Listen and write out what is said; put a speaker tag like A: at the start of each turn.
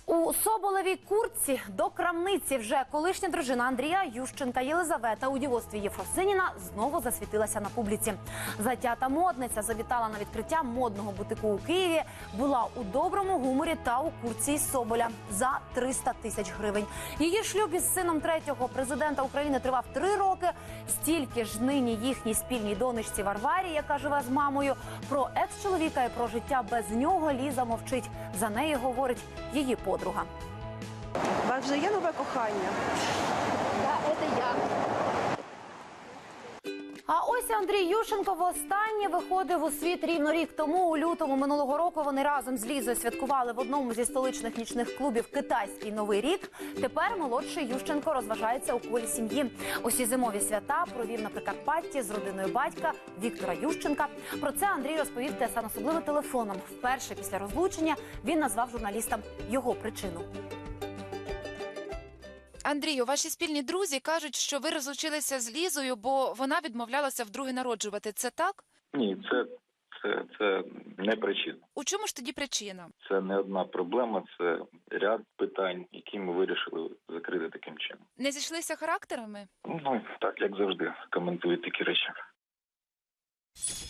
A: У Соболевій куртці до крамниці вже колишня дружина Андрія Ющенка Єлизавета у дівоцтві Єфросиніна знову засвітилася на публіці. Затята модниця завітала на відкриття модного бутику у Києві, була у доброму гуморі та у куртці із Соболя за 300 тисяч гривень. Її шлюб із сином третього президента України тривав 3 роки. Стільки ж нині їхній спільній донечці Варварі, яка живе з мамою. Про екс-чоловіка і про життя без нього Ліза мовчить. За неї говорить її подруга.
B: У вас вже є нове кохання?
C: Да, це я.
A: А ось Андрій Ющенко востаннє виходив у світ рівно рік тому. У лютому минулого року вони разом з Лізою святкували в одному зі столичних нічних клубів китайський Новий рік. Тепер молодший Ющенко розважається у колі сім'ї. Усі зимові свята провів на Прикарпатті з родиною батька Віктора Ющенка. Про це Андрій розповів ТСН особливо телефоном. Вперше після розлучення він назвав журналістам його причину.
D: Андрію, ваші спільні друзі кажуть, що ви розлучилися з Лізою, бо вона відмовлялася вдруге народжувати. Це так?
E: Ні, це не причина.
D: У чому ж тоді причина?
E: Це не одна проблема, це ряд питань, які ми вирішили закрити таким чином.
D: Не зійшлися характерами?
E: Ну, так, як завжди, коментують такі речі.